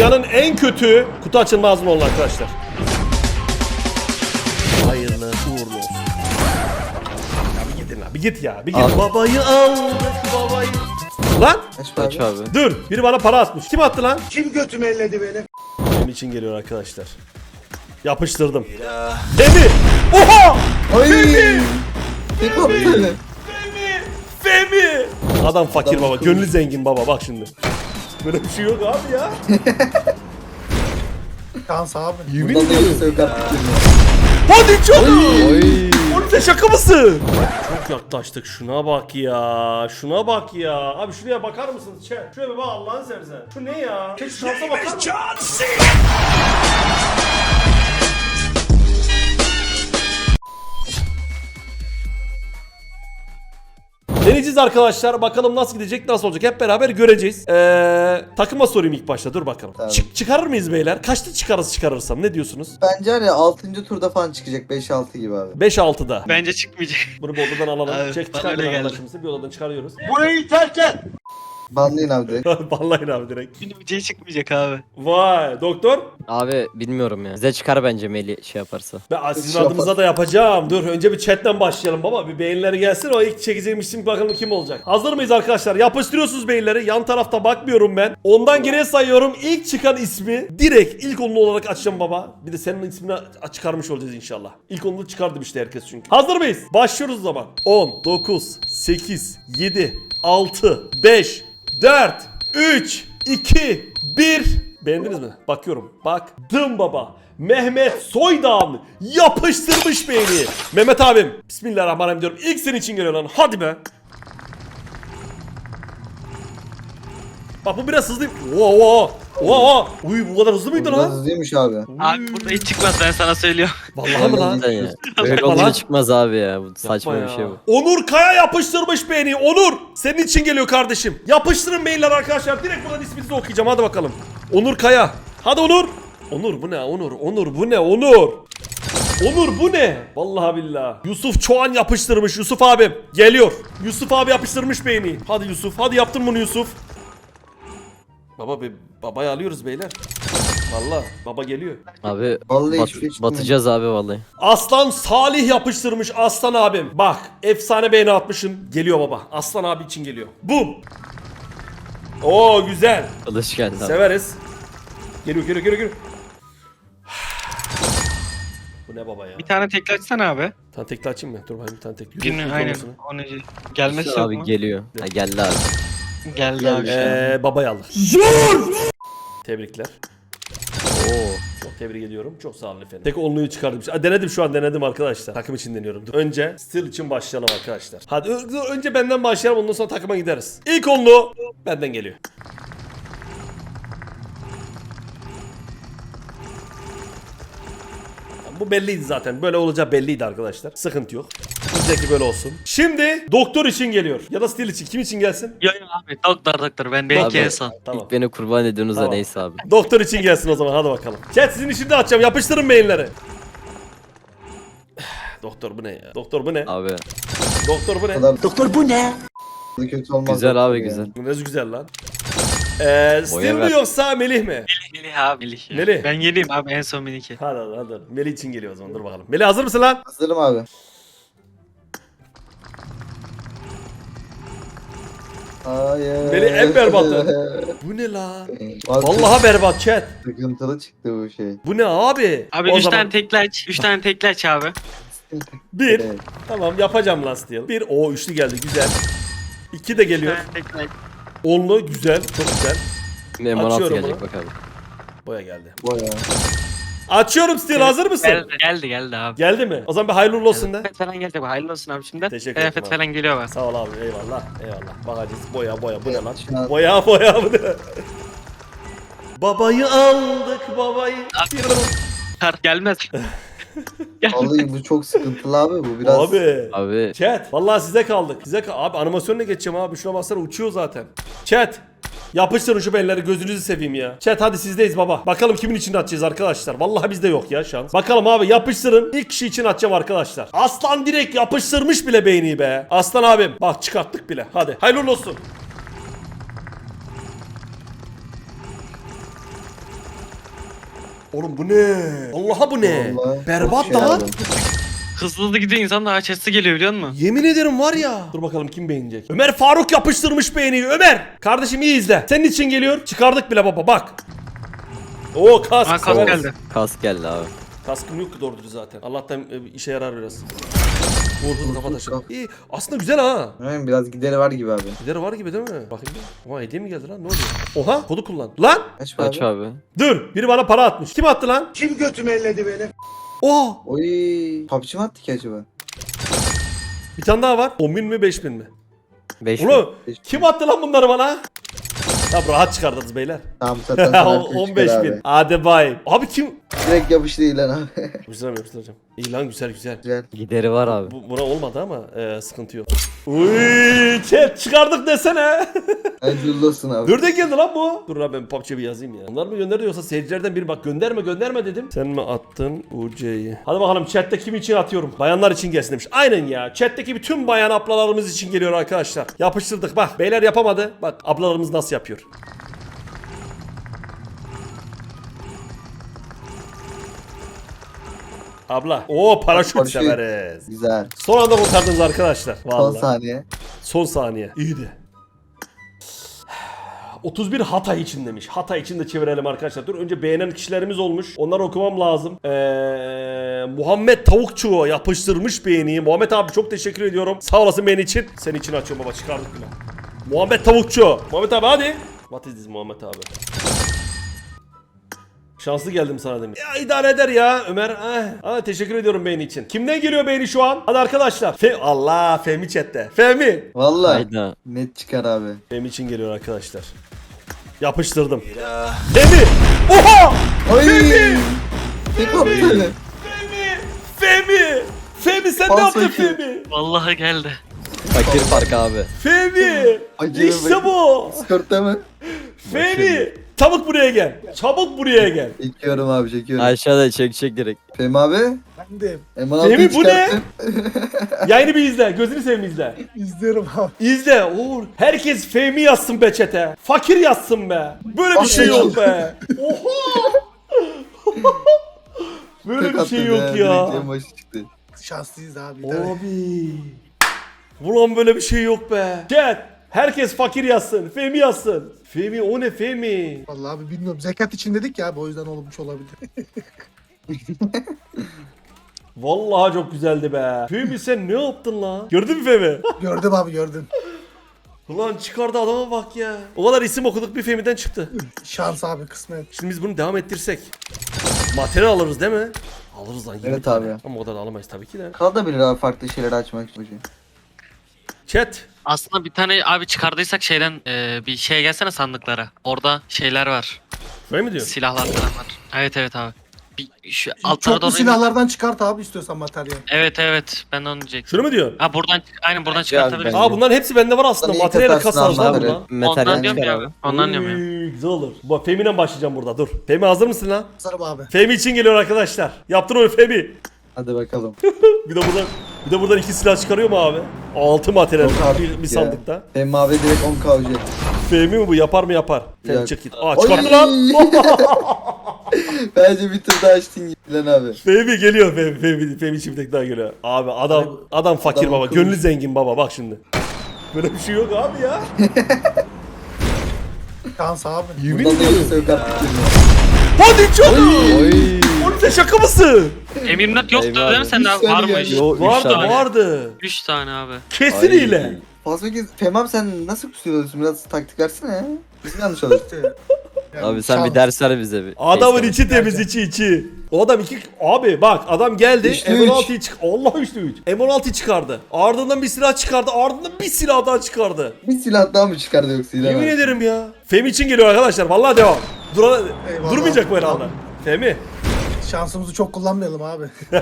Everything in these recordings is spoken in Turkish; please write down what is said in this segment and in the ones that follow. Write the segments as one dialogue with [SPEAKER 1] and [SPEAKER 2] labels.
[SPEAKER 1] Dünyanın en kötü kutu açılma ağzı oldu arkadaşlar. Hayırlı uğurlu olsun. Ya bir gidin lan, bir git ya, bir git.
[SPEAKER 2] Abi.
[SPEAKER 1] Babayı aldık, babayı. Lan
[SPEAKER 2] Kaç abi?
[SPEAKER 1] dur, biri bana para atmış. Kim attı lan?
[SPEAKER 3] Kim götümü elledi beni?
[SPEAKER 1] Benim için geliyor arkadaşlar. Yapıştırdım. Femi! Oha!
[SPEAKER 2] Ay!
[SPEAKER 1] Femi!
[SPEAKER 2] Ne kaptı?
[SPEAKER 1] Femi! Adam fakir
[SPEAKER 2] Adam
[SPEAKER 1] baba,
[SPEAKER 2] akıllı.
[SPEAKER 1] gönlü zengin baba, bak şimdi. Böyle bir şey yok abi ya.
[SPEAKER 3] Şans abi.
[SPEAKER 1] Yemin
[SPEAKER 2] Bundan da
[SPEAKER 1] ediyorum.
[SPEAKER 2] yoksa yok artık.
[SPEAKER 1] Hadi canım!
[SPEAKER 2] Oy!
[SPEAKER 1] Oğlum sen şaka mısın? Çok yaklaştık, şuna bak ya. Şuna bak ya. Abi şuraya bakar mısınız? Şuraya bir bak Allah'ını seversen. Şu ne ya? Şu şansa bakar mısın? Deneyeceğiz arkadaşlar. Bakalım nasıl gidecek, nasıl olacak. Hep beraber göreceğiz. Takıma sorayım ilk başta. Dur bakalım.
[SPEAKER 2] Tamam.
[SPEAKER 1] Çıkarır mıyız beyler? Kaçta çıkarırsam? Ne diyorsunuz?
[SPEAKER 2] Bence hani 6. turda falan çıkacak 5-6 gibi abi.
[SPEAKER 1] 5-6'da.
[SPEAKER 4] Bence çıkmayacak.
[SPEAKER 1] Bunu bir odadan alalım.
[SPEAKER 4] Abi,
[SPEAKER 1] Çek
[SPEAKER 4] bana
[SPEAKER 1] çıkar
[SPEAKER 4] öyle geldi.
[SPEAKER 1] arkadaşımızı. Bir odadan çıkarıyoruz.
[SPEAKER 3] Burayı terk et.
[SPEAKER 2] Banlayın abi direkt.
[SPEAKER 1] Vallahi abi direkt.
[SPEAKER 4] Bir çıkmayacak abi.
[SPEAKER 1] Vay doktor.
[SPEAKER 5] Abi bilmiyorum ya. Bize çıkar bence Meli şey yaparsa.
[SPEAKER 1] Ben sizin
[SPEAKER 2] Şey
[SPEAKER 1] adımıza
[SPEAKER 2] yapar.
[SPEAKER 1] da yapacağım. Dur önce bir chatten başlayalım baba. Bir beğenileri gelsin. O ilk çekeceğim isim bakalım kim olacak. Hazır mıyız arkadaşlar? Yapıştırıyorsunuz beğenileri. Yan tarafta bakmıyorum ben. Ondan geriye sayıyorum. İlk çıkan ismi direkt ilk onlu olarak açacağım baba. Bir de senin ismini çıkarmış olacağız inşallah. İlk onlu çıkardım işte herkes çünkü. Hazır mıyız? Başlıyoruz o zaman. 10, 9, 8, 7, 6, 5, 4, 3, 2, 1. Beğendiniz mi? Bakıyorum. Baktım baba. Mehmet Soydağ'ın yapıştırmış beğeni. Mehmet abim. Bismillahirrahmanirrahim diyorum. İlk senin için geliyor lan. Hadi be. Bak bu biraz hızlı. Oo. Uy bu kadar hızlı mıydı
[SPEAKER 2] Biraz
[SPEAKER 1] lan?
[SPEAKER 2] hızlıymış abi.
[SPEAKER 4] Abi burada hiç çıkmaz ben sana söylüyorum.
[SPEAKER 1] Vallahi mi lan?
[SPEAKER 5] Sen ya. Böyle
[SPEAKER 1] Yapma lan.
[SPEAKER 5] olunca çıkmaz abi ya. Bu saçma
[SPEAKER 1] Yapma
[SPEAKER 5] bir
[SPEAKER 1] ya.
[SPEAKER 5] şey bu.
[SPEAKER 1] Onur Kaya yapıştırmış beğeni. Onur. Senin için geliyor kardeşim. Yapıştırın beğeniler arkadaşlar. Direkt buradan isminizi okuyacağım. Hadi bakalım. Onur Kaya. Hadi Onur. Onur bu ne? Onur bu ne? Onur bu ne? Vallahi billahi. Yusuf Çoğan yapıştırmış. Yusuf abim. Geliyor. Yusuf abi yapıştırmış beğeni. Hadi Yusuf. Hadi yaptın bunu Yusuf. Babayı alıyoruz beyler. Vallahi baba geliyor.
[SPEAKER 5] Abi
[SPEAKER 2] Vallahi hiçbir şey çıkmıyor.
[SPEAKER 5] batacağız abi vallahi.
[SPEAKER 1] Aslan Salih yapıştırmış Aslan abim. Bak efsane beğeni atmışım. Geliyor baba. Aslan abi için geliyor. Bum. Oo güzel.
[SPEAKER 5] Kılıç geldi abi.
[SPEAKER 1] Severiz. Geliyor. Bu ne baba ya?
[SPEAKER 4] Bir tane tekli açsana abi.
[SPEAKER 1] Bir tane tekli açayım mı? Dur bakayım bir tane tekli.
[SPEAKER 4] Birini aynen. Onu gelmesi yok
[SPEAKER 5] Abi
[SPEAKER 4] mu?
[SPEAKER 5] geliyor. Ha, geldi abi.
[SPEAKER 4] Geldi abi.
[SPEAKER 1] Babayı alır. Tebrikler. Oo, çok tebrik ediyorum. Çok sağ olun efendim. Tek onluyu çıkardım. Denedim şu an denedim arkadaşlar. Takım için deniyorum. Dur. Önce Steel için başlayalım arkadaşlar. Hadi önce benden başlayalım ondan sonra takıma gideriz. İlk onlu benden geliyor. Bu belliydi zaten. Böyle olacağı belliydi arkadaşlar. Sıkıntı yok. Bizdeki böyle olsun. Şimdi doktor için geliyor. Ya da Steel için. Kim için gelsin?
[SPEAKER 4] Yok abi doktor ben belki
[SPEAKER 5] Abi,
[SPEAKER 4] en son.
[SPEAKER 1] Tamam.
[SPEAKER 5] İlk beni kurban ediyorsunuz
[SPEAKER 1] Tamam.
[SPEAKER 5] da neyse abi.
[SPEAKER 1] Doktor için gelsin o zaman hadi bakalım. Chat sizin için de açacağım. Yapıştırın mailleri. Doktor bu ne ya? Doktor bu ne?
[SPEAKER 5] Abi
[SPEAKER 1] Doktor bu ne?
[SPEAKER 2] Kadar
[SPEAKER 3] Doktor bu ne?
[SPEAKER 2] kötü olmaz.
[SPEAKER 5] güzel abi
[SPEAKER 2] Yani.
[SPEAKER 5] güzel.
[SPEAKER 1] Bu ne güzel lan. Steel mi
[SPEAKER 5] ver.
[SPEAKER 1] yoksa Melih mi?
[SPEAKER 4] Melih abi Melih.
[SPEAKER 1] Melih.
[SPEAKER 4] Ben yeniyim abi en son Melih'i.
[SPEAKER 1] Hadi. Melih için geliyor o zaman dur bakalım. Melih hazır mısın lan?
[SPEAKER 2] Hazırım abi. Hayır.
[SPEAKER 1] Melih en berbatı. Bu ne la?
[SPEAKER 2] Abi,
[SPEAKER 1] Vallahi berbat chat.
[SPEAKER 2] sıkıntılı çıktı bu şey.
[SPEAKER 1] Bu ne abi?
[SPEAKER 4] Abi
[SPEAKER 1] O
[SPEAKER 4] 3
[SPEAKER 1] zaman
[SPEAKER 4] tane tekli aç. 3 tane tekli aç abi.
[SPEAKER 1] bir.
[SPEAKER 2] Evet.
[SPEAKER 1] Tamam yapacağım lan Steel. Bir. O üçlü geldi güzel. 2 de
[SPEAKER 4] Bir
[SPEAKER 1] geliyor.
[SPEAKER 4] tane tekli aç.
[SPEAKER 1] Onlu güzel. Çok güzel.
[SPEAKER 5] M16
[SPEAKER 1] Açıyorum
[SPEAKER 5] gelecek
[SPEAKER 1] bunu.
[SPEAKER 5] bakalım.
[SPEAKER 1] Boya geldi.
[SPEAKER 2] Baya.
[SPEAKER 1] Açıyorum Steel hazır mısın?
[SPEAKER 4] Geldi abi.
[SPEAKER 1] Geldi mi? O zaman bir hayırlı uğurlu olsun de.
[SPEAKER 4] Kıyafet falan gelecek bu. Hayırlı olsun abi şimdi.
[SPEAKER 1] Teşekkür ederim
[SPEAKER 4] Kıyafet
[SPEAKER 1] abi.
[SPEAKER 4] falan geliyor bak.
[SPEAKER 1] Sağ ol abi eyvallah. Bakacağız boya bu ne lan?
[SPEAKER 2] Şu an-
[SPEAKER 1] Boya bu ne? Babayı aldık babayı.
[SPEAKER 4] Kart gelmez.
[SPEAKER 2] Vallahi bu çok sıkıntılı abi bu biraz.
[SPEAKER 1] Abi.
[SPEAKER 5] Abi
[SPEAKER 1] Chat. Vallahi size kaldık. Abi animasyonla geçeceğim abi. Şuna baksana uçuyor zaten. Chat. Yapıştırın şu belleri gözünüzü seveyim ya. Chat hadi sizdeyiz baba. Bakalım kimin için atacağız arkadaşlar. Vallahi bizde yok ya şans. Bakalım abi yapıştırın. İlk kişi için atacağım arkadaşlar. Aslan direkt yapıştırmış bile beğeniyi be. Aslan abim. Bak çıkarttık bile. Hadi. Hayırlı olsun. Oğlum bu ne? Allah'a bu ne?
[SPEAKER 2] Vallahi
[SPEAKER 1] Berbat
[SPEAKER 2] çok şey
[SPEAKER 1] lan.
[SPEAKER 2] abi.
[SPEAKER 4] Hızlı gidiyor insan daha chest'e geliyor biliyor musun?
[SPEAKER 1] Yemin ederim var ya. Dur bakalım kim beğenecek. Ömer Faruk yapıştırmış beğeniyi. Ömer. Kardeşim iyi izle. Senin için geliyor. Çıkardık bile baba bak. Oo kask.
[SPEAKER 4] Aa kas
[SPEAKER 1] Evet.
[SPEAKER 4] geldi.
[SPEAKER 5] Kask geldi abi.
[SPEAKER 1] Kaskım yok ki doğrudur zaten. Allah'tan işe yarar biraz. Vurdum kafa taşı.
[SPEAKER 2] Kalk.
[SPEAKER 1] İyi. Aslında güzel ha.
[SPEAKER 2] Aynen, biraz gideri var gibi abi.
[SPEAKER 1] Gideri var gibi değil mi? Bakayım bir. Oha hediye mi geldi lan? Ne oluyor? Oha kodu kullan. Lan!
[SPEAKER 2] Kaç abi?
[SPEAKER 5] Aç abi.
[SPEAKER 1] Dur. Biri bana para atmış. Kim attı lan?
[SPEAKER 3] Kim götümü elledi benim?
[SPEAKER 1] Oha!
[SPEAKER 2] Oy. PUBG mi attı ki acaba?
[SPEAKER 1] Bir tane daha var. 10.000 mi 5.000 mi?
[SPEAKER 5] 5
[SPEAKER 1] Ulan kim attı lan bunları bana? Tamam rahat çıkardınız beyler.
[SPEAKER 2] Tamam zaten sana
[SPEAKER 1] 15.000. Hadi bay. Abi kim?
[SPEAKER 2] Direkt yapıştı ilan abi.
[SPEAKER 1] Güzel yapıştıracağım. İyi lan güzel güzel.
[SPEAKER 2] Güzel.
[SPEAKER 5] Gideri var abi.
[SPEAKER 1] Buna olmadı ama sıkıntı yok. Uy, chat çıkardık desene.
[SPEAKER 2] Hayırlı olsun abi.
[SPEAKER 1] Nereden geldi lan bu? Dur lan ben PUBG'ye bir yazayım ya. Onlar mı gönderdi yoksa seyircilerden biri bak gönderme dedim. Sen mi attın UC'yi? Hadi bakalım chatte kim için atıyorum? Bayanlar için gelsin demiş. Aynen ya. Chatteki bütün bayan ablalarımız için geliyor arkadaşlar. Yapıştırdık bak. Beyler yapamadı. Bak ablalarımız nasıl yapıyor. Abla. Oo paraşüt
[SPEAKER 2] Paraşüt.
[SPEAKER 1] severiz.
[SPEAKER 2] Güzel.
[SPEAKER 1] Son anda kurtardınız arkadaşlar.
[SPEAKER 2] Son
[SPEAKER 1] Vallahi.
[SPEAKER 2] saniye.
[SPEAKER 1] Son saniye. İyiydi. 31 Hatay için demiş. Hatay için de çevirelim arkadaşlar. Dur önce beğenen kişilerimiz olmuş. Onları okumam lazım. Muhammed Tavukçu yapıştırmış beğeniyi. Muhammed abi çok teşekkür ediyorum. Sağ olasın beğeni için. Senin için açıyorum baba çıkardık bile. Muhammed Tavukçu. Muhammed abi hadi. What is this Muhammed abi? Şanslı geldim sana demiş. Ya idare eder ya Ömer. Teşekkür ediyorum beğeni için. Kimden geliyor beğeni şu an? Hadi arkadaşlar. Allah Fehmi chatte. Fehmi.
[SPEAKER 2] Valla.
[SPEAKER 5] Hayda.
[SPEAKER 2] Net çıkar abi.
[SPEAKER 1] Fehmi için geliyor arkadaşlar. Yapıştırdım. Fehmi. Oha.
[SPEAKER 2] Oy.
[SPEAKER 1] Fehmi.
[SPEAKER 2] Ne kaptı?
[SPEAKER 1] Fehmi. Fehmi. Fehmi sen ne
[SPEAKER 2] Falso
[SPEAKER 1] yaptın
[SPEAKER 2] iki.
[SPEAKER 1] Fehmi?
[SPEAKER 4] Vallahi geldi.
[SPEAKER 5] Fakir fark abi.
[SPEAKER 1] Fehmi.
[SPEAKER 2] Acele
[SPEAKER 1] İşte
[SPEAKER 2] bak.
[SPEAKER 1] bu.
[SPEAKER 2] Skörtte mi?
[SPEAKER 1] Fehmi. Çabuk buraya gel. Çabuk buraya gel.
[SPEAKER 2] Çekiyorum abi çekiyorum.
[SPEAKER 5] Aşağıda çek direkt.
[SPEAKER 2] Fehmi abi.
[SPEAKER 3] Ben de
[SPEAKER 2] M16'yı
[SPEAKER 1] Fehmi, bu ne?
[SPEAKER 2] çıkarttın.
[SPEAKER 1] Yayını bir izle. Gözünü seveyim izle.
[SPEAKER 3] izliyorum abi.
[SPEAKER 1] İzle. Uğur. Herkes Fehmi yazsın be çete. Fakir yazsın be. Böyle bir şey yok be. Oha. Böyle
[SPEAKER 2] Tek
[SPEAKER 1] bir şey
[SPEAKER 2] attın
[SPEAKER 1] yok ya.
[SPEAKER 2] Direkt en başı çıktı.
[SPEAKER 3] Şanslıyız abi.
[SPEAKER 1] Abi. Ulan böyle bir şey yok be. Chat. Herkes fakir yazsın. Fehmi yazsın. Fehmi o ne Fehmi?
[SPEAKER 3] Vallahi abi bilmiyorum. Zekat için dedik ya abi, o yüzden olmuş olabilir.
[SPEAKER 1] Vallahi çok güzeldi be. Fehmi sen ne yaptın lan? Gördün mü Fehmi?
[SPEAKER 3] Gördüm abi gördüm.
[SPEAKER 1] Ulan çıkardı adama bak ya. O kadar isim okuduk bir Fehmi'den çıktı.
[SPEAKER 3] Şans abi kısmet.
[SPEAKER 1] Şimdi biz bunu devam ettirsek. Materyal alırız değil mi? Alırız lan 20
[SPEAKER 2] Evet
[SPEAKER 1] tane.
[SPEAKER 2] abi.
[SPEAKER 1] Ama o kadar da alamayız tabii ki de.
[SPEAKER 2] Kalabilir abi farklı şeyler açmak için.
[SPEAKER 1] Chat.
[SPEAKER 4] Aslında bir tane abi çıkardıysak şeyden bir şeye gelsene sandıklara. Orada şeyler var.
[SPEAKER 1] Böyle mi diyor?
[SPEAKER 4] Silahlar falan var. Evet abi. Bir şu altlara
[SPEAKER 3] Çoklu
[SPEAKER 4] doğru
[SPEAKER 3] silahlardan çıkart abi istiyorsan materyal.
[SPEAKER 4] Evet ben de onu diyecektim.
[SPEAKER 1] Şunu mu diyorsun?
[SPEAKER 4] Ha buradan aynen buradan
[SPEAKER 5] Bence
[SPEAKER 4] çıkartabiliriz.
[SPEAKER 5] abi,
[SPEAKER 1] Aa bunların hepsi bende var aslında.
[SPEAKER 2] Lan iyi
[SPEAKER 1] Materyal
[SPEAKER 2] katarsın
[SPEAKER 1] kasarız lan
[SPEAKER 2] abi.
[SPEAKER 1] buradan.
[SPEAKER 5] Metal
[SPEAKER 4] Ondan diyorum
[SPEAKER 5] çıkar
[SPEAKER 4] ya
[SPEAKER 5] abi.
[SPEAKER 4] abi. Ondan diyorum ya.
[SPEAKER 1] Uy, güzel olur. Bak Fehmi'den başlayacağım burada dur. Fehmi hazır mısın lan?
[SPEAKER 3] Sarım abi.
[SPEAKER 1] Fehmi için geliyor arkadaşlar. Yaptın onu Fehmi.
[SPEAKER 2] Hadi bakalım.
[SPEAKER 1] Bir de buradan 2 silah çıkarıyor mu abi? 6 materyal
[SPEAKER 2] Yok abi
[SPEAKER 1] bir
[SPEAKER 2] ya.
[SPEAKER 1] sandıkta.
[SPEAKER 2] Fehmi abi direkt 10 kavcı.
[SPEAKER 1] Fehmi mi bu? Yapar mı yapar? Fehmi
[SPEAKER 2] Yok.
[SPEAKER 1] çık git. Aa çıkarttı lan.
[SPEAKER 2] Bence bir tur daha açtın gibi lan abi.
[SPEAKER 1] Fehmi geliyor Fehmi için bir tek daha geliyor. Abi adam fakir
[SPEAKER 2] Adam
[SPEAKER 1] baba.
[SPEAKER 2] akıllı.
[SPEAKER 1] Gönlü zengin baba bak şimdi. Böyle bir şey yok abi ya.
[SPEAKER 3] Şans abi.
[SPEAKER 1] Yemin
[SPEAKER 2] Buradan da
[SPEAKER 1] ediyorum.
[SPEAKER 2] yoksa yok artık.
[SPEAKER 1] Hadi canım.
[SPEAKER 5] Oy.
[SPEAKER 1] Oğlum sen şaka mısın?
[SPEAKER 4] M24 yoktu
[SPEAKER 5] Eyvallah.
[SPEAKER 4] değil mi sende abi?
[SPEAKER 2] Üç tane
[SPEAKER 4] Var mı?
[SPEAKER 2] geldi.
[SPEAKER 5] Yo, üç
[SPEAKER 1] Vardı
[SPEAKER 5] tane.
[SPEAKER 1] vardı.
[SPEAKER 4] 3 tane abi.
[SPEAKER 1] Kesin
[SPEAKER 5] Ay.
[SPEAKER 1] hile.
[SPEAKER 2] Fazla kez Fehmi abi sen nasıl kusuyorsun? Biraz taktik versene ya. Bizim yanlış olur.
[SPEAKER 3] Yani
[SPEAKER 5] Abi sen
[SPEAKER 3] şans.
[SPEAKER 5] bir ders ver bize bir.
[SPEAKER 1] Adamın
[SPEAKER 5] Neyse.
[SPEAKER 1] içi temiz içi. O adam abi bak adam geldi
[SPEAKER 2] Üçlü
[SPEAKER 1] M16'yı Allah 3'lü 3. M16'yı çıkardı. Ardından bir silah çıkardı. Ardından bir silah daha çıkardı.
[SPEAKER 2] Bir silah daha mı çıkardı yoksa ilan
[SPEAKER 1] Yemin
[SPEAKER 2] abi?
[SPEAKER 1] ederim ya. Fehmi için geliyor arkadaşlar. Vallahi devam.
[SPEAKER 3] Eyvallah.
[SPEAKER 1] Durmayacak bu herhalde. Fehmi.
[SPEAKER 3] Şansımızı çok kullanmayalım abi.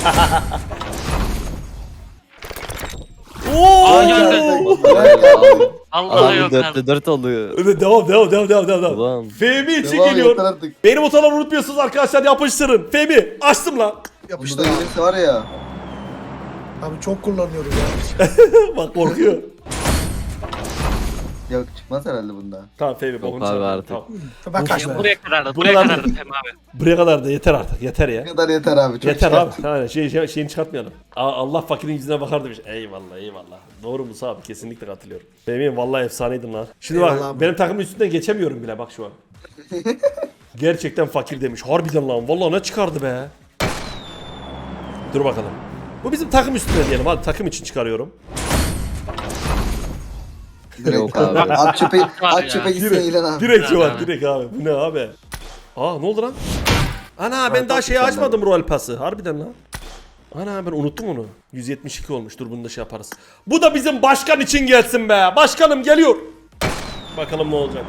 [SPEAKER 1] Oo!
[SPEAKER 4] Aa, geldi.
[SPEAKER 2] Abi.
[SPEAKER 4] Allah
[SPEAKER 5] Abi
[SPEAKER 4] yok abi.
[SPEAKER 5] 4'te 4 oluyor.
[SPEAKER 1] Evet, devam.
[SPEAKER 5] Ulan.
[SPEAKER 1] Fehmi için
[SPEAKER 2] Devam
[SPEAKER 1] geliyor.
[SPEAKER 2] yeter artık.
[SPEAKER 1] Benim otaları unutmuyorsunuz arkadaşlar yapıştırın. Fehmi açtım lan.
[SPEAKER 3] Yapıştır
[SPEAKER 2] Burada
[SPEAKER 3] abi.
[SPEAKER 2] gelirse var ya.
[SPEAKER 3] Abi çok kullanıyoruz ya.
[SPEAKER 1] Bak korkuyor.
[SPEAKER 2] Yok çıkmaz herhalde bunda.
[SPEAKER 1] Tamam Fehmi
[SPEAKER 5] Yok
[SPEAKER 1] bokunu
[SPEAKER 5] abi
[SPEAKER 1] çıkar.
[SPEAKER 5] artık.
[SPEAKER 1] Tamam.
[SPEAKER 3] Ben
[SPEAKER 1] Uf
[SPEAKER 3] kaçtım.
[SPEAKER 1] be.
[SPEAKER 4] Buraya kadardı.
[SPEAKER 1] Bu
[SPEAKER 4] Buraya
[SPEAKER 1] kadar-
[SPEAKER 4] kadardı Hem abi.
[SPEAKER 1] Buraya kadar da yeter artık. Yeter ya.
[SPEAKER 2] Ne kadar yeter abi. Çok
[SPEAKER 1] Yeter abi.
[SPEAKER 2] çıkarttın.
[SPEAKER 1] Yani şeyini çıkartmayalım. Allah fakirin yüzüne bakar demiş. Eyvallah eyvallah. Doğru Musa abi kesinlikle katılıyorum. Benim vallahi efsaneydin lan. Şimdi bak
[SPEAKER 3] Eyvallah abi.
[SPEAKER 1] benim takımın üstünden geçemiyorum bile bak şu an. Gerçekten fakir demiş. Harbiden lan. Vallahi ne çıkardı be. Dur bakalım. Bu bizim takım üstüne diyelim. Hadi takım için çıkarıyorum.
[SPEAKER 2] Direkt
[SPEAKER 5] Yok
[SPEAKER 2] abi.
[SPEAKER 5] abi.
[SPEAKER 2] At çöpe,
[SPEAKER 4] Var
[SPEAKER 2] at
[SPEAKER 4] ya.
[SPEAKER 2] çöpe gitsin
[SPEAKER 1] Direkt,
[SPEAKER 2] İlan abi.
[SPEAKER 1] direkt şu an
[SPEAKER 4] Abi.
[SPEAKER 1] direkt abi. Bu ne abi? Aa ne oldu lan? Ana ben daha
[SPEAKER 2] Bak,
[SPEAKER 1] şeyi
[SPEAKER 2] bak,
[SPEAKER 1] açmadım Royal Pass'ı. Harbiden lan. Ana ben unuttum onu. 172 olmuş. Dur bunu da şey yaparız. Bu da bizim başkan için gelsin be. Başkanım geliyor. Bakalım ne olacak.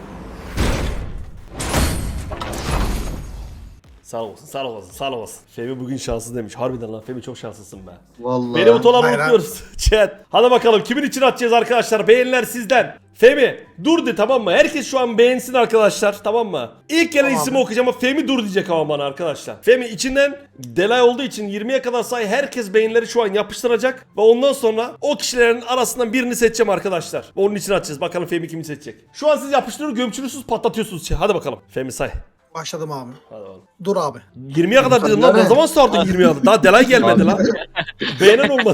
[SPEAKER 1] Sağ olsun, sağ olsun, sağ olsun. Femi bugün şanslı demiş. Harbiden lan Femi çok şanslısın be.
[SPEAKER 2] Vallahi.
[SPEAKER 1] Beni butonları
[SPEAKER 3] Hayır abi.
[SPEAKER 1] unutmuyoruz. Chat. Hadi bakalım kimin için atacağız arkadaşlar? Beğeniler sizden. Femi dur de tamam mı? Herkes şu an beğensin arkadaşlar tamam mı? İlk gelen
[SPEAKER 3] Tamam.
[SPEAKER 1] ismi okuyacağım ama Femi dur diyecek ama bana arkadaşlar. Femi içinden delay olduğu için 20'ye kadar say herkes beğenileri şu an yapıştıracak. Ve ondan sonra o kişilerin arasından birini seçeceğim arkadaşlar. Ve onun için atacağız. Bakalım Femi kimi seçecek. Şu an siz yapıştırıyor gömçürüyorsunuz patlatıyorsunuz. Hadi bakalım. Femi say.
[SPEAKER 3] Başladım abi.
[SPEAKER 1] Hadi bakalım.
[SPEAKER 3] Dur abi.
[SPEAKER 1] 20'ye kadar dedim lan ne zaman sardın 20'ye kadar? Daha delay gelmedi lan. Beğenen olmadı.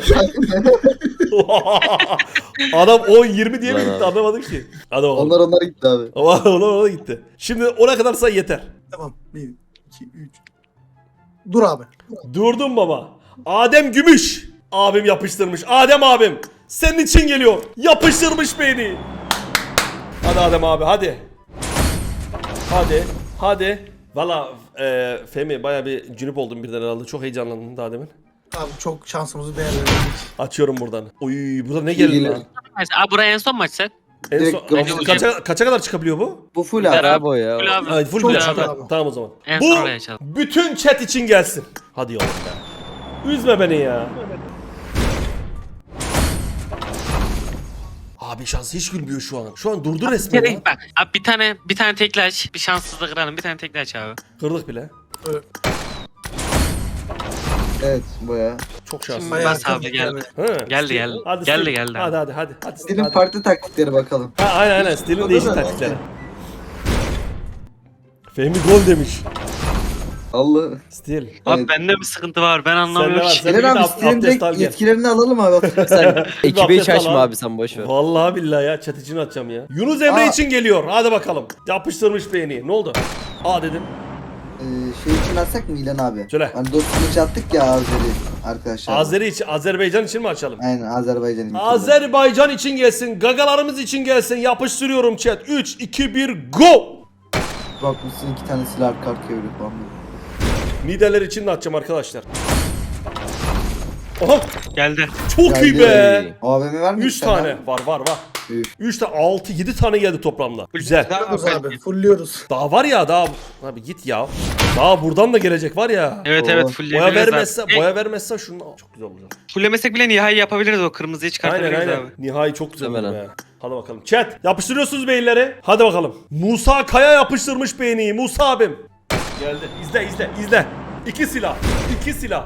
[SPEAKER 1] Adam 10-20 diye mi
[SPEAKER 5] Lan
[SPEAKER 1] gitti
[SPEAKER 5] abi.
[SPEAKER 1] anlamadım ki. Hadi bakalım.
[SPEAKER 2] Onlar gitti abi.
[SPEAKER 1] Ama ona gitti. Şimdi ona kadar say yeter.
[SPEAKER 3] Tamam. 1, 2, 3. Dur abi.
[SPEAKER 1] Durdum baba. Adem Gümüş. Abim yapıştırmış. Adem abim. Senin için geliyor. Yapıştırmış beni. Hadi Adem abi hadi. Hadi. Hadi. Valla Femi baya bir cünüp oldum birden herhalde. Çok heyecanlandım daha demin.
[SPEAKER 3] Abi çok şansımızı değerlendirdik.
[SPEAKER 1] Açıyorum buradan. Oy burada ne geldi
[SPEAKER 2] gelir.
[SPEAKER 1] lan?
[SPEAKER 4] Abi buraya en son maç sen.
[SPEAKER 1] En
[SPEAKER 2] Direkt
[SPEAKER 1] son,
[SPEAKER 2] kapı-
[SPEAKER 1] kaça kadar çıkabiliyor bu?
[SPEAKER 2] Bu full
[SPEAKER 5] Gider
[SPEAKER 2] abi.
[SPEAKER 5] abi o ya.
[SPEAKER 4] Full abi.
[SPEAKER 1] Ay, full
[SPEAKER 3] Çok
[SPEAKER 1] bile.
[SPEAKER 3] güzel
[SPEAKER 1] Tamam,
[SPEAKER 3] abi.
[SPEAKER 1] tamam o zaman.
[SPEAKER 4] En
[SPEAKER 1] Bu
[SPEAKER 4] son oraya açalım.
[SPEAKER 1] bütün chat için gelsin. Hadi yavrum be. Üzme beni ya. Abi şans hiç gülmüyor şu an. Şu an durdu resmen ya.
[SPEAKER 4] Bak abi bir tane tekli aç. Bir şanssızlık kıralım. Bir tane tekli aç abi.
[SPEAKER 1] Kırdık bile.
[SPEAKER 2] Evet baya.
[SPEAKER 1] Çok şanslı.
[SPEAKER 3] Bayağı
[SPEAKER 4] Bas abi geldi.
[SPEAKER 1] He,
[SPEAKER 4] Geldi,
[SPEAKER 1] Steel.
[SPEAKER 4] geldi.
[SPEAKER 1] Hadi
[SPEAKER 4] Geldi,
[SPEAKER 1] Steel.
[SPEAKER 4] geldi.
[SPEAKER 1] Hadi. Hadi Steel,
[SPEAKER 2] Senin
[SPEAKER 1] hadi.
[SPEAKER 2] farklı taktikleri bakalım.
[SPEAKER 1] Ha, aynen Steel'in
[SPEAKER 2] O da
[SPEAKER 1] değişik
[SPEAKER 2] da-
[SPEAKER 1] taktikleri. Fehmi gol demiş.
[SPEAKER 2] Allah.
[SPEAKER 1] Steel.
[SPEAKER 4] Abi
[SPEAKER 2] Evet.
[SPEAKER 4] bende bir sıkıntı var. Ben anlamıyorum
[SPEAKER 1] var,
[SPEAKER 4] ki.
[SPEAKER 1] sen-
[SPEAKER 2] İlan
[SPEAKER 1] bir
[SPEAKER 2] abi
[SPEAKER 1] de
[SPEAKER 2] senin
[SPEAKER 1] abdest
[SPEAKER 2] direkt
[SPEAKER 1] al gel.
[SPEAKER 2] yetkilerini alalım abi.
[SPEAKER 5] Sen ekibi hiç
[SPEAKER 1] abdest al
[SPEAKER 5] açma
[SPEAKER 1] abi.
[SPEAKER 5] abi sen boş ver.
[SPEAKER 1] Vallahi billahi ya chat için atacağım ya. Yunus Emre
[SPEAKER 2] Aa.
[SPEAKER 1] için geliyor. Hadi bakalım. Yapıştırmış beğeni. Ne oldu? Aa dedim.
[SPEAKER 2] Şey için atsak mı İlan abi?
[SPEAKER 1] Söyle.
[SPEAKER 2] Hani dostluğu için attık ya Azeri arkadaşlar.
[SPEAKER 1] Azeri için, Azerbaycan için mi açalım?
[SPEAKER 2] Aynen Azerbaycan'ın.
[SPEAKER 1] Azerbaycan için gelsin, gagalarımız için gelsin. Yapıştırıyorum chat. 3, 2, 1, go!
[SPEAKER 2] Bakmışsın 2 tane silah arka arkaya öyle falan.
[SPEAKER 1] Liderler için de atacağım arkadaşlar. Oha!
[SPEAKER 4] Geldi.
[SPEAKER 1] Çok iyi be!
[SPEAKER 2] AVM var mı?
[SPEAKER 1] 3 tane. Var.
[SPEAKER 2] Üf.
[SPEAKER 1] 3 tane, 6, 7 tane geldi toplamda. Güzel.
[SPEAKER 3] Fulluyoruz abi. Fulluyoruz.
[SPEAKER 1] Daha var ya daha. Abi git ya. Daha buradan da gelecek var ya.
[SPEAKER 4] Evet
[SPEAKER 2] Oo.
[SPEAKER 4] evet
[SPEAKER 1] Boya
[SPEAKER 4] fullleyebiliriz abi.
[SPEAKER 1] vermezse şunu çok güzel olacak.
[SPEAKER 4] Fullemesek bile nihai yapabiliriz o kırmızıyı çıkartabiliriz
[SPEAKER 1] Aynen.
[SPEAKER 4] abi.
[SPEAKER 1] Nihai çok güzel oldu
[SPEAKER 5] Muhtemelen.
[SPEAKER 1] be. Hadi bakalım. Chat yapıştırıyorsunuz beyinleri. Hadi bakalım. Musa Kaya yapıştırmış beğeniyi. Musa abim. Geldi. İzle. 2 silah.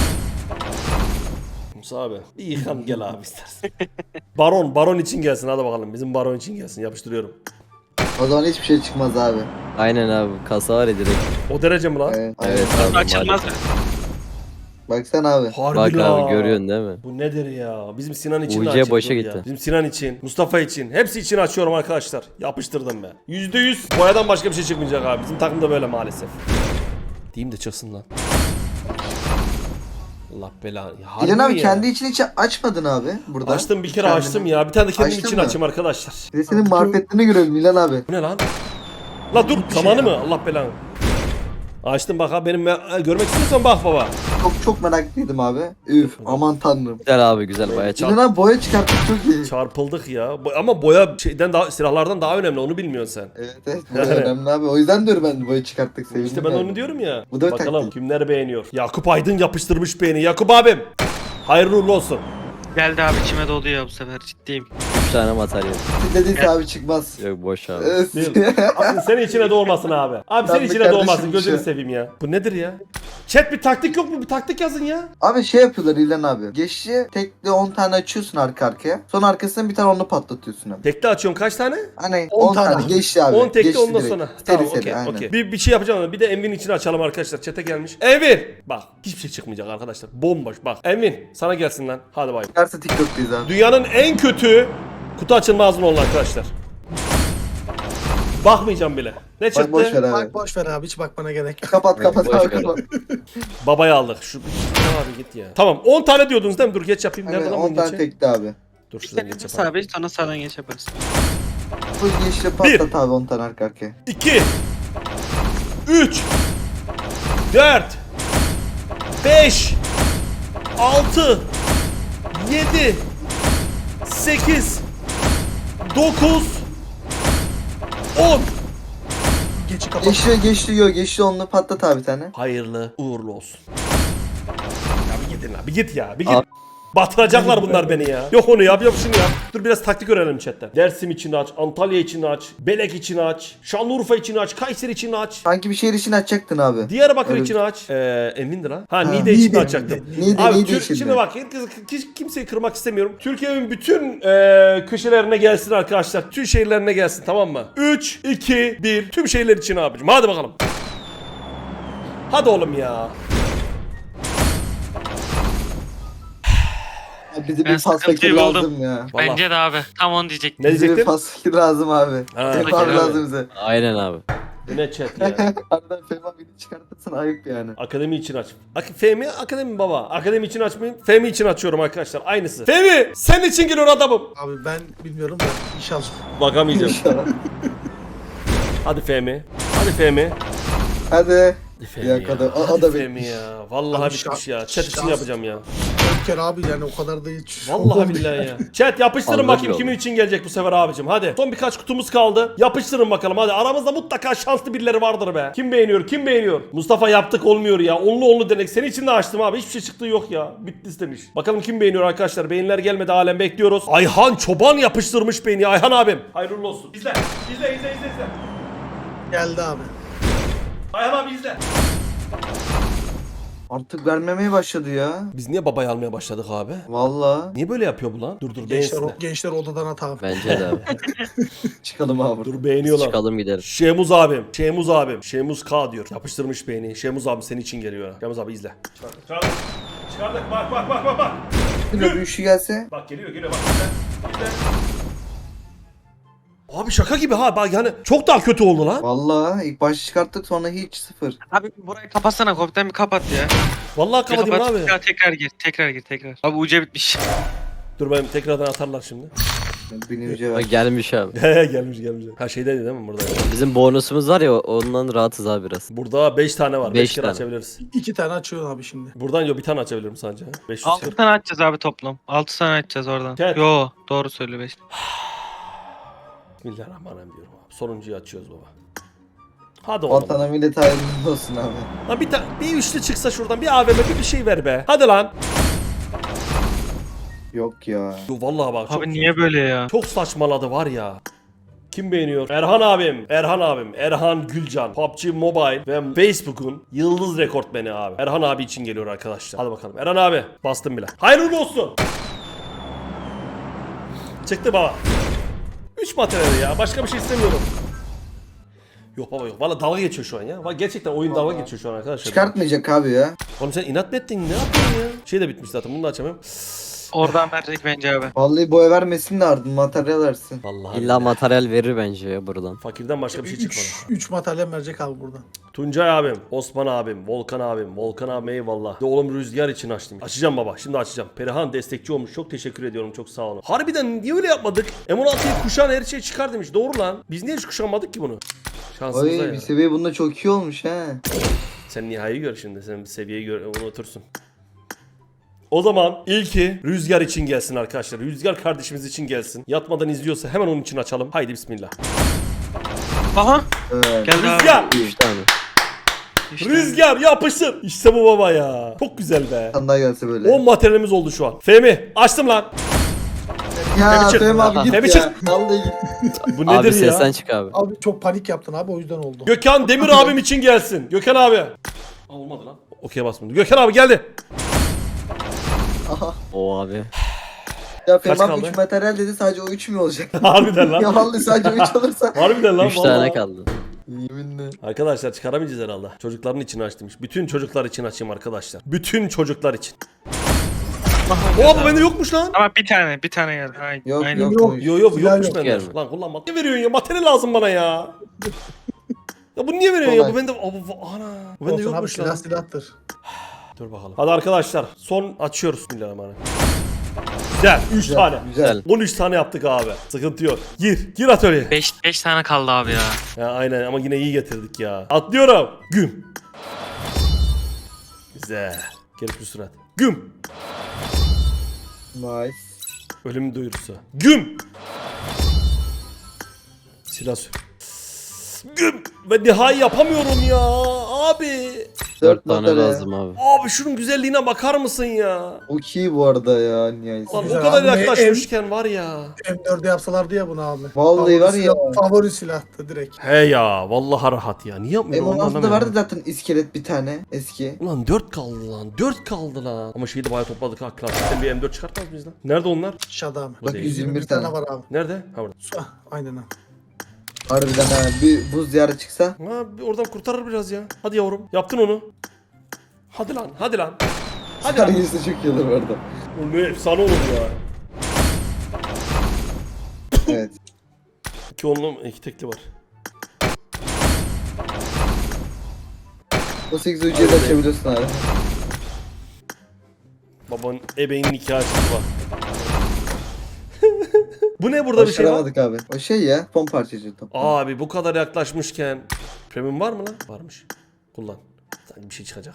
[SPEAKER 1] Musa abi. Bir yıkan gel abi istersen. Baron için gelsin hadi bakalım. Bizim baron için gelsin. Yapıştırıyorum.
[SPEAKER 2] O zaman hiçbir şey çıkmaz abi.
[SPEAKER 5] Aynen abi kasa var ya direkt.
[SPEAKER 1] O derece mi lan?
[SPEAKER 2] Evet.
[SPEAKER 5] Evet abi.
[SPEAKER 4] Açılmaz mı?
[SPEAKER 5] maalesef.
[SPEAKER 2] Baksana abi.
[SPEAKER 1] Harbi
[SPEAKER 5] Bak
[SPEAKER 1] la.
[SPEAKER 5] abi görüyorsun değil mi?
[SPEAKER 1] Bu nedir ya? Bizim Sinan için de
[SPEAKER 5] UC
[SPEAKER 1] açayım,
[SPEAKER 5] boşa
[SPEAKER 1] dur ya.
[SPEAKER 5] gitti.
[SPEAKER 1] Bizim Sinan için, Mustafa için, hepsi için açıyorum arkadaşlar. Yapıştırdım ben. %100 boyadan başka bir şey çıkmayacak abi. Bizim takımda böyle maalesef. Diyeyim de çıksın lan. Allah belanı. Ya harbi
[SPEAKER 2] İlan abi
[SPEAKER 1] mi ya?
[SPEAKER 2] kendi için hiç açmadın abi burada.
[SPEAKER 1] Açtım bir kere
[SPEAKER 2] Kendini.
[SPEAKER 1] açtım ya. Bir tane de kendim
[SPEAKER 2] Açtın
[SPEAKER 1] için
[SPEAKER 2] mı?
[SPEAKER 1] açayım arkadaşlar.
[SPEAKER 2] Bir de senin marifetlerini görelim İlan abi.
[SPEAKER 1] Bu ne lan? La dur
[SPEAKER 3] Bir şey
[SPEAKER 1] zamanı
[SPEAKER 3] ya.
[SPEAKER 1] mı? Allah belanı. Açtım bak abi benim görmek istiyorsan bak baba.
[SPEAKER 2] Çok meraklıydım abi. Üf aman tanrım.
[SPEAKER 5] Güzel abi güzel bayağı
[SPEAKER 2] İlan abi boya çıkarttık çok iyi.
[SPEAKER 1] Çarpıldık ya. Ama boya şeyden daha silahlardan daha önemli onu bilmiyorsun sen.
[SPEAKER 2] Evet bu önemli abi. O yüzden diyorum ben boya çıkarttık sevindim.
[SPEAKER 1] İşte ben
[SPEAKER 2] yani.
[SPEAKER 1] onu diyorum ya.
[SPEAKER 2] Bu da
[SPEAKER 1] Bakalım
[SPEAKER 2] taktik.
[SPEAKER 1] kimler beğeniyor. Yakup Aydın yapıştırmış beğeni. Yakup abim. Hayırlı uğurlu olsun.
[SPEAKER 4] Geldi abi içime doldu ya bu sefer ciddiyim.
[SPEAKER 5] 3 tane materyal.
[SPEAKER 2] Dediyse abi çıkmaz.
[SPEAKER 5] Yok boş abi.
[SPEAKER 1] Değil. Abi senin içine doğmasın abi. Abi senin
[SPEAKER 2] Ben de
[SPEAKER 1] içine doğmasın.
[SPEAKER 2] kardeşim
[SPEAKER 1] Gözünü
[SPEAKER 2] şey.
[SPEAKER 1] seveyim ya. Bu nedir ya? Chat bir taktik yok mu? Bir taktik yazın ya.
[SPEAKER 2] Abi şey yapıyorlar İlhan abi. Geçici tekli 10 tane açıyorsun arka arkaya. Sonra arkasından bir tane onu patlatıyorsun abi.
[SPEAKER 1] Tekli açıyorum kaç tane?
[SPEAKER 2] Hani
[SPEAKER 3] 10
[SPEAKER 2] 10
[SPEAKER 3] tane
[SPEAKER 2] tane
[SPEAKER 3] abi.
[SPEAKER 2] geçti abi.
[SPEAKER 1] 10 tekli
[SPEAKER 2] Geçti
[SPEAKER 1] ondan
[SPEAKER 2] direkt.
[SPEAKER 1] sonra.
[SPEAKER 2] Seri
[SPEAKER 1] Tamam
[SPEAKER 2] seri,
[SPEAKER 1] okey
[SPEAKER 2] aynen.
[SPEAKER 1] okey. Bir şey yapacağım ama bir de Envin'in içine açalım arkadaşlar. Chat'e gelmiş. Envin! Bak hiçbir şey çıkmayacak arkadaşlar. Bomboş bak. Envin sana gelsin lan. Hadi bay.
[SPEAKER 2] Çıkarsa TikTok'tayız abi.
[SPEAKER 1] Dünyanın en kötü kutu açılma ağzını oldu arkadaşlar. Bakmayacağım bile. Ne
[SPEAKER 2] Bak
[SPEAKER 1] çıktı?
[SPEAKER 2] boş ver abi.
[SPEAKER 3] Bak boş ver abi hiç bakmana gerek yok.
[SPEAKER 2] Kapat kapat
[SPEAKER 5] Boş
[SPEAKER 2] abi
[SPEAKER 5] ver.
[SPEAKER 2] kapat.
[SPEAKER 1] Babayı aldık. Şu abi git ya. Tamam 10 tane diyordunuz değil mi? Dur geç yapayım. Nerede
[SPEAKER 2] Hani
[SPEAKER 1] lan
[SPEAKER 2] 10
[SPEAKER 1] bunun
[SPEAKER 2] tane
[SPEAKER 1] geçi?
[SPEAKER 2] tekli abi.
[SPEAKER 1] Dur
[SPEAKER 4] Bir
[SPEAKER 1] şuradan
[SPEAKER 4] kere
[SPEAKER 1] geç
[SPEAKER 4] bir
[SPEAKER 1] yapalım.
[SPEAKER 4] sabit sonra sağdan geç yaparız.
[SPEAKER 2] Full geçti patlat abi 10 tane arka arkaya.
[SPEAKER 1] 2 3 4 5 6 7 8 9 10
[SPEAKER 3] Geçi kapat.
[SPEAKER 2] Geçti onunla patlat abi bir tane.
[SPEAKER 1] Hayırlı uğurlu olsun. Ya bir gidin abi git ya bir git.
[SPEAKER 5] Abi.
[SPEAKER 1] Batıracaklar bunlar beni ya. Yok onu yap yok şunu yap. Dur biraz taktik öğrenelim chatten. Dersim için aç, Antalya için aç, Belek için aç, Şanlıurfa için aç, Kayseri için aç.
[SPEAKER 2] Sanki bir şehir için açacaktın abi.
[SPEAKER 1] Diyarbakır
[SPEAKER 2] Öyle
[SPEAKER 1] için aç. Emindir ha. Ha
[SPEAKER 2] Ha,
[SPEAKER 1] Niğde için
[SPEAKER 3] Niğde,
[SPEAKER 1] açacaktım.
[SPEAKER 2] Niğde,
[SPEAKER 1] Abi
[SPEAKER 2] Niğde için
[SPEAKER 1] şimdi
[SPEAKER 2] de.
[SPEAKER 1] bak kimseyi kırmak istemiyorum. Türkiye'nin bütün köşelerine gelsin arkadaşlar. Tüm şehirlerine gelsin tamam mı? 3, 2, 1 tüm şehirler için abicim. Hadi bakalım. Hadi oğlum ya.
[SPEAKER 2] Bize
[SPEAKER 4] Ben
[SPEAKER 2] bir pas fakir
[SPEAKER 4] sıkıntıyı buldum.
[SPEAKER 2] lazım ya.
[SPEAKER 1] Vallahi.
[SPEAKER 4] Bence de abi. Tam onu diyecektim.
[SPEAKER 1] Ne
[SPEAKER 2] Bize bir
[SPEAKER 1] diyecektin?
[SPEAKER 2] pas fakir lazım abi.
[SPEAKER 1] Ha,
[SPEAKER 2] Fehmi
[SPEAKER 4] fakir
[SPEAKER 2] abi
[SPEAKER 4] abi.
[SPEAKER 2] lazım bize.
[SPEAKER 5] Aynen abi.
[SPEAKER 1] Bu ne chat ya?
[SPEAKER 2] Aradan Fehmi abiyi çıkartırsan ayıp yani.
[SPEAKER 1] Akademi için aç. Fehmi akademi baba. Akademi için açmayayım. Fehmi için açıyorum arkadaşlar. Aynısı. Fehmi senin için geliyor adamım.
[SPEAKER 3] Abi ben bilmiyorum da inşallah.
[SPEAKER 1] Bakamayacağım.
[SPEAKER 2] İnşallah.
[SPEAKER 1] Hadi Fehmi. Hadi Fehmi.
[SPEAKER 2] Hadi.
[SPEAKER 1] Hadi Fehmi
[SPEAKER 2] Ya
[SPEAKER 1] ya.
[SPEAKER 2] kadar- o
[SPEAKER 1] Hadi
[SPEAKER 2] da
[SPEAKER 1] Fehmi ya. Vallahi
[SPEAKER 3] Abi
[SPEAKER 1] bitmiş
[SPEAKER 3] şa-
[SPEAKER 1] ya. Chat için
[SPEAKER 3] şans-
[SPEAKER 1] yapacağım ya.
[SPEAKER 3] 4 kere abi yani o kadar da hiç.
[SPEAKER 1] Vallahi
[SPEAKER 3] olmadı
[SPEAKER 1] billahi ya. Chat yapıştırın
[SPEAKER 5] Anladım
[SPEAKER 1] bakayım
[SPEAKER 5] yolu.
[SPEAKER 1] kimin için gelecek bu sefer abicim. Hadi. Son birkaç kutumuz kaldı. Yapıştırın bakalım hadi. Aramızda mutlaka şanslı birileri vardır be. Kim beğeniyor? Kim beğeniyor? Mustafa yaptık olmuyor ya. Onlu denek. Senin için de açtım abi. Hiçbir şey çıktığı yok ya. Bitti istemiş. Bakalım kim beğeniyor arkadaşlar. Beğeniler gelmedi halen bekliyoruz. Ayhan Çoban yapıştırmış beğeni. Ayhan abim. Hayırlı olsun. İzle. İzle.
[SPEAKER 3] Geldi abi.
[SPEAKER 1] Ayhan abi izle.
[SPEAKER 2] Artık vermemeye başladı ya.
[SPEAKER 1] Biz niye babayı almaya başladık abi?
[SPEAKER 2] Valla.
[SPEAKER 1] Niye böyle yapıyor bu lan? Dur
[SPEAKER 3] Gençler,
[SPEAKER 1] beğensin de.
[SPEAKER 3] gençler odadan at abi.
[SPEAKER 5] Bence de abi.
[SPEAKER 2] Çıkalım abi.
[SPEAKER 1] Dur beğeniyorlar.
[SPEAKER 5] Çıkalım gidelim.
[SPEAKER 1] Şemuz abim. Şemuz K diyor. Yapıştırmış beğeni. Şemuz abi senin için geliyor. ha. Şemuz abi izle. Çıkardık. Bak.
[SPEAKER 2] Bir de üçlü gelse.
[SPEAKER 1] Bak geliyor bak. İzle. Abi şaka gibi ha. Bak yani çok daha kötü oldu lan.
[SPEAKER 2] Valla ilk başta çıkarttık sonra hiç sıfır.
[SPEAKER 4] Abi burayı kapatsana. Kopten bir kapat ya.
[SPEAKER 1] Vallahi
[SPEAKER 4] Bir
[SPEAKER 1] kapatayım
[SPEAKER 4] kapat.
[SPEAKER 1] abi.
[SPEAKER 4] Ya tekrar gir. Abi uca bitmiş.
[SPEAKER 1] Dur benim tekrardan atarlar şimdi.
[SPEAKER 2] Binince ver.
[SPEAKER 5] Bak gelmiş abi.
[SPEAKER 1] gelmiş. Ha şeydeydi değil mi burada?
[SPEAKER 5] Bizim bonusumuz var ya ondan rahatız abi biraz.
[SPEAKER 1] Burada 5 tane var. 5
[SPEAKER 5] Beş
[SPEAKER 1] kere
[SPEAKER 5] tane.
[SPEAKER 1] açabiliriz.
[SPEAKER 3] 2 tane açıyorsun abi şimdi.
[SPEAKER 1] Buradan yok bir tane açabilirim sadece. 500
[SPEAKER 4] 6
[SPEAKER 1] kere.
[SPEAKER 4] tane açacağız abi toplam. 6 tane açacağız oradan.
[SPEAKER 1] Evet.
[SPEAKER 4] Yo doğru söylüyor 5.
[SPEAKER 1] Bismillahirrahmanirrahim diyorum abi. Sonuncuyu açıyoruz baba. Hadi oğlum.
[SPEAKER 2] Vatana millet hayırlı olsun abi.
[SPEAKER 1] Lan bir üçlü çıksa şuradan bir AVM bir şey ver be. Hadi lan.
[SPEAKER 2] Yok ya.
[SPEAKER 1] Yo, vallahi bak çok,
[SPEAKER 4] Abi niye böyle ya?
[SPEAKER 1] çok saçmaladı var ya. Kim beğeniyor? Erhan abim. Erhan Gülcan. PUBG Mobile ve Facebook'un yıldız rekortmeni abi. Erhan abi için geliyor arkadaşlar. Hadi bakalım. Erhan abi. Bastım bile. Hayırlı olsun. Çıktı baba. 3 materyali ya. Başka bir şey istemiyorum. Yok baba yok. Valla dalga geçiyor şu an ya. Valla gerçekten oyun dalga geçiyor şu an arkadaşlar.
[SPEAKER 2] Çıkartmayacak abi ya.
[SPEAKER 1] Oğlum sen inat mı ettin? Ne yapıyorsun ya? Şey de bitmiş zaten. Bunu da açamıyorum.
[SPEAKER 4] Oradan verecek bence abi.
[SPEAKER 2] Vallahi boya vermesin de ardın materyal versin.
[SPEAKER 1] Vallahi.
[SPEAKER 5] İlla
[SPEAKER 1] billahi.
[SPEAKER 5] materyal verir bence ya buradan.
[SPEAKER 1] Fakirden başka bir şey çıkmadı.
[SPEAKER 3] 3 materyal verecek abi buradan.
[SPEAKER 1] Tuncay abim, Osman abim, Volkan abim eyvallah. De oğlum Rüzgar için açtım. Açacağım baba, şimdi açacağım. Perihan destekçi olmuş, çok teşekkür ediyorum, çok sağ olun. Harbiden niye öyle yapmadık? M16'yı kuşan her şey çıkar demiş, doğru lan. Biz niye hiç kuşanmadık ki bunu? Şansımıza
[SPEAKER 2] Oy
[SPEAKER 1] ya.
[SPEAKER 2] bir seviye bunda çok iyi olmuş he.
[SPEAKER 1] Sen nihayı gör şimdi, sen bir seviyeyi gör, unutursun. O zaman ilki Rüzgar için gelsin arkadaşlar. Rüzgar kardeşimiz için gelsin. Yatmadan izliyorsa hemen onun için açalım. Haydi bismillah.
[SPEAKER 4] Aha.
[SPEAKER 2] Evet.
[SPEAKER 4] Geldi abi.
[SPEAKER 1] Rüzgar!
[SPEAKER 5] 3 tane.
[SPEAKER 4] İşte.
[SPEAKER 1] Rüzgar yapışsın. İşte bu baba ya. Çok güzel be.
[SPEAKER 2] Sandalye gelse böyle.
[SPEAKER 1] 10 materyalimiz oldu şu an. Fehmi açtım lan.
[SPEAKER 2] Ya
[SPEAKER 1] Fehmi çık.
[SPEAKER 2] Fehmi abi git
[SPEAKER 1] Fehmi
[SPEAKER 2] ya.
[SPEAKER 1] çık.
[SPEAKER 2] Vallahi git.
[SPEAKER 1] Bu nedir
[SPEAKER 5] Abi
[SPEAKER 1] ya?
[SPEAKER 5] sesten çık abi.
[SPEAKER 3] Abi çok panik yaptın abi o yüzden oldu.
[SPEAKER 1] Gökhan Demir abim için gelsin. Gökhan abi. Olmadı lan. Okey basmadı. Gökhan abi geldi.
[SPEAKER 2] Aha.
[SPEAKER 5] O abi.
[SPEAKER 2] Ya
[SPEAKER 1] Kaç
[SPEAKER 2] Fehmi
[SPEAKER 1] kaldı?
[SPEAKER 2] 3 materyal dedi, sadece o 3 mü olacak?
[SPEAKER 1] Harbiden lan.
[SPEAKER 2] Ya vallahi sadece 3 olursa.
[SPEAKER 1] Harbiden lan
[SPEAKER 5] 3
[SPEAKER 1] vallahi.
[SPEAKER 5] tane kaldı.
[SPEAKER 2] Yeminle.
[SPEAKER 1] Arkadaşlar çıkaramayacağız herhalde. Çocukların için açtım. Bütün çocuklar için açayım arkadaşlar. Bütün çocuklar için. Oha bu bende yokmuş lan.
[SPEAKER 4] Ama bir tane geldi. Aynen.
[SPEAKER 2] Yok
[SPEAKER 4] Aynen.
[SPEAKER 2] yok.
[SPEAKER 3] Yok.
[SPEAKER 1] Yo yo bu
[SPEAKER 3] Silah
[SPEAKER 1] yokmuş
[SPEAKER 3] yok
[SPEAKER 1] bende.
[SPEAKER 5] yani.
[SPEAKER 1] Lan kullanma. Ne veriyorsun ya? Materyal lazım bana ya. Ya bu niye veriyorsun ya?
[SPEAKER 2] Kolay.
[SPEAKER 1] Bu bende... Ana. Bu bende
[SPEAKER 3] Olsun abi,
[SPEAKER 1] yokmuş lan.
[SPEAKER 3] silahtır.
[SPEAKER 1] Dur bakalım. Hadi arkadaşlar. Son açıyoruz. Bismillahirrahmanirrahim. Güzel. 3 tane.
[SPEAKER 2] Güzel.
[SPEAKER 1] 13 tane yaptık abi. Sıkıntı yok. Gir atölyeye.
[SPEAKER 4] 5 tane kaldı abi ya.
[SPEAKER 1] Ya aynen ama yine iyi getirdik ya. Atlıyorum. Güm. Güzel. Gelip sürat. Güm.
[SPEAKER 2] Nice.
[SPEAKER 1] Ölüm duyurusu. Güm. Silah sür. Güm. Ve nihai yapamıyorum ya. Abi.
[SPEAKER 5] 4 tane
[SPEAKER 2] materyal.
[SPEAKER 5] lazım abi.
[SPEAKER 1] Abi şunun güzelliğine bakar mısın ya?
[SPEAKER 2] O iyi bu arada ya nihayet.
[SPEAKER 1] Lan o
[SPEAKER 3] Güzel
[SPEAKER 1] kadar
[SPEAKER 3] abi.
[SPEAKER 1] yaklaşmışken var ya.
[SPEAKER 3] M4'e yapsalardı ya bunu abi.
[SPEAKER 2] Vallahi var ya.
[SPEAKER 3] Favori silahtı direkt.
[SPEAKER 1] He ya. Vallahi rahat ya. Niye yapmıyorum? onu
[SPEAKER 2] M16'da
[SPEAKER 1] anlamıyorum.
[SPEAKER 2] vardı zaten iskelet bir tane eski.
[SPEAKER 1] Ulan 4 kaldı lan. 4 kaldı lan. Ama şeyi de bayağı topladık ha. Klasikten bir M4 çıkartmaz mıyız lan? Nerede onlar?
[SPEAKER 3] Şadam.
[SPEAKER 1] Bu değil.
[SPEAKER 2] 121
[SPEAKER 3] tane
[SPEAKER 2] tane.
[SPEAKER 3] var abi.
[SPEAKER 1] Nerede? Ha burada.
[SPEAKER 3] Aynen abi.
[SPEAKER 2] Harbiden ha, bir buz diyarı çıksa.
[SPEAKER 1] Ha bir oradan kurtarır biraz ya. Hadi yavrum. Yaptın onu. Hadi lan. Hadi lan. Hadi lan.
[SPEAKER 2] Hangisi çok iyi olur orada.
[SPEAKER 1] Bu ne efsane olur ya.
[SPEAKER 2] Evet.
[SPEAKER 1] 2 onlu 2 tekli var.
[SPEAKER 2] O 8 ucuya da açabiliyorsun abi.
[SPEAKER 1] Babanın ebeğinin nikahı çıktı bak. Bu ne burada bir şey var?
[SPEAKER 2] Başaramadık abi. O şey ya, fon parçacı top.
[SPEAKER 1] Abi bu kadar yaklaşmışken premium var mı lan? Varmış. Kullan. Sanki bir şey çıkacak.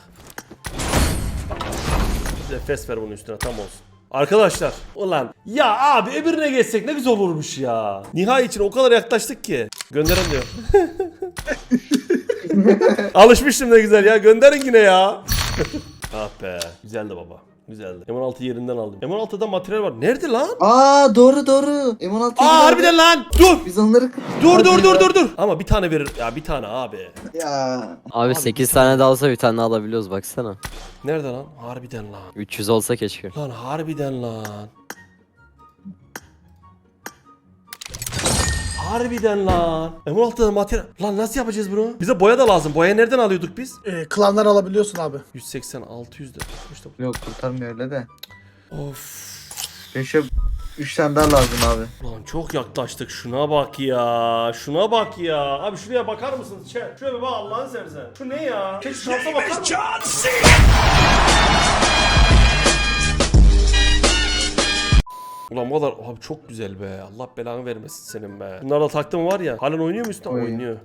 [SPEAKER 1] Bize fes ver bunun üstüne tam olsun. Arkadaşlar ulan ya abi öbürüne geçsek ne güzel olurmuş ya. Nihai için o kadar yaklaştık ki. Gönderin diyor. Alışmıştım ne güzel ya. Gönderin yine ya. Ah be. Güzeldi baba. Güzeldi. M16 yerinden aldım. M16'da materyal var. Nerede lan?
[SPEAKER 2] Aa doğru doğru. M16
[SPEAKER 1] Aa harbiden lan. Dur.
[SPEAKER 2] Biz onları...
[SPEAKER 1] Dur. Ama bir tane verir. Ya bir tane abi.
[SPEAKER 2] Ya.
[SPEAKER 5] Abi 8 tane de alsa bir tane alabiliyoruz baksana.
[SPEAKER 1] Nerede lan? Harbiden lan.
[SPEAKER 5] 300 olsa keşke.
[SPEAKER 1] Lan harbiden lan. Harbiden lan. M16'da materyal. Lan nasıl yapacağız bunu? Bize boya da lazım. Boya nereden alıyorduk biz?
[SPEAKER 3] Klanlar alabiliyorsun abi.
[SPEAKER 1] 180 600 de. İşte
[SPEAKER 2] Yok kurtarmıyor öyle de.
[SPEAKER 1] of.
[SPEAKER 2] Beşe 3 tane daha lazım abi.
[SPEAKER 1] Ulan çok yaklaştık. Şuna bak ya. Şuna bak ya. Abi şuraya bakar mısınız? Şuraya bir bak Allah'ını seversen. Şu ne ya? Şu şansa bakar mısın? Ulan bu kadar abi çok güzel be. Allah belanı vermesin senin be. Bunlarla taktım var ya. Halen oynuyor mu üstüne?
[SPEAKER 2] Oynuyor.
[SPEAKER 1] Oynuyor.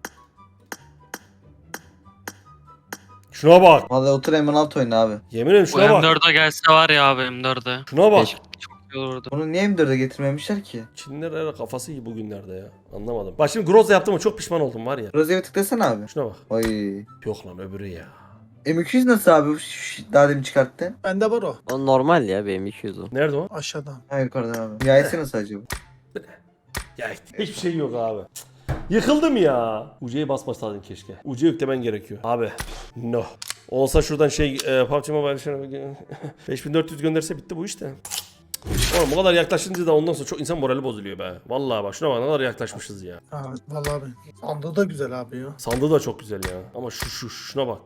[SPEAKER 1] Şuna bak.
[SPEAKER 2] Vallahi otur M16 oyna abi.
[SPEAKER 1] Yemin ederim
[SPEAKER 4] Bu
[SPEAKER 1] şuna bak.
[SPEAKER 4] M4'e gelse var ya abi M4'e.
[SPEAKER 1] Şuna bak.
[SPEAKER 5] Keşke.
[SPEAKER 4] Çok iyi olurdu.
[SPEAKER 2] Bunu niye M4'e getirmemişler ki?
[SPEAKER 1] Çinliler herhalde kafası iyi bugünlerde ya. Anlamadım. Bak şimdi Groza yaptım ama çok pişman oldum var ya.
[SPEAKER 2] Roze'ye tıklasana abi.
[SPEAKER 1] Şuna bak.
[SPEAKER 2] Oy.
[SPEAKER 1] Yok lan öbürü ya.
[SPEAKER 2] M200 nasıl abi? Daha demin çıkarttın.
[SPEAKER 3] Bende var o.
[SPEAKER 5] O normal ya benim 200 o.
[SPEAKER 1] Nerede o?
[SPEAKER 3] Aşağıdan.
[SPEAKER 2] Hayır yukarıda abi. Nihayesi nasıl acaba?
[SPEAKER 1] Ya hiçbir şey yok abi. Yıkıldım ya. UC'ye basmasaydın keşke. UC yüklemen gerekiyor. Abi. No. Olsa şuradan şey PUBG Mobile 5400 gönderse bitti bu işte. Oğlum bu kadar yaklaşınca da ondan sonra çok insan morali bozuluyor be. Vallahi bak şuna bak ne kadar yaklaşmışız ya.
[SPEAKER 3] Ha, vallahi abi. Sandığı da güzel abi ya.
[SPEAKER 1] Sandığı da çok güzel ya. Ama şuna bak.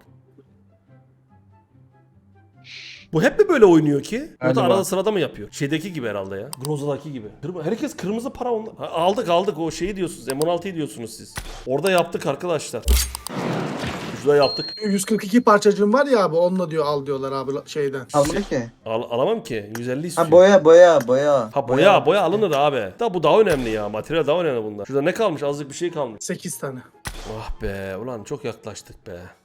[SPEAKER 1] Bu hep mi böyle oynuyor ki? Yoksa
[SPEAKER 2] Galiba.
[SPEAKER 1] arada sırada mı yapıyor? Şeydeki gibi herhalde ya. Groza'daki gibi. Herkes kırmızı para onlar. Ha, aldık o şeyi diyorsunuz. M16'yı diyorsunuz siz. Orada yaptık arkadaşlar. Şurada yaptık.
[SPEAKER 3] 142 parçacığım var ya abi, onunla diyor al diyorlar abi şeyden.
[SPEAKER 2] Almadı ki.
[SPEAKER 1] Alamam ki. 150 istiyor.
[SPEAKER 2] Ha boya.
[SPEAKER 1] Ha boya alınır abi. Da bu daha önemli ya. Materyal daha önemli bunlar. Şurada ne kalmış? Azıcık bir şey kalmış.
[SPEAKER 3] 8 tane.
[SPEAKER 1] Ah be ulan çok yaklaştık be.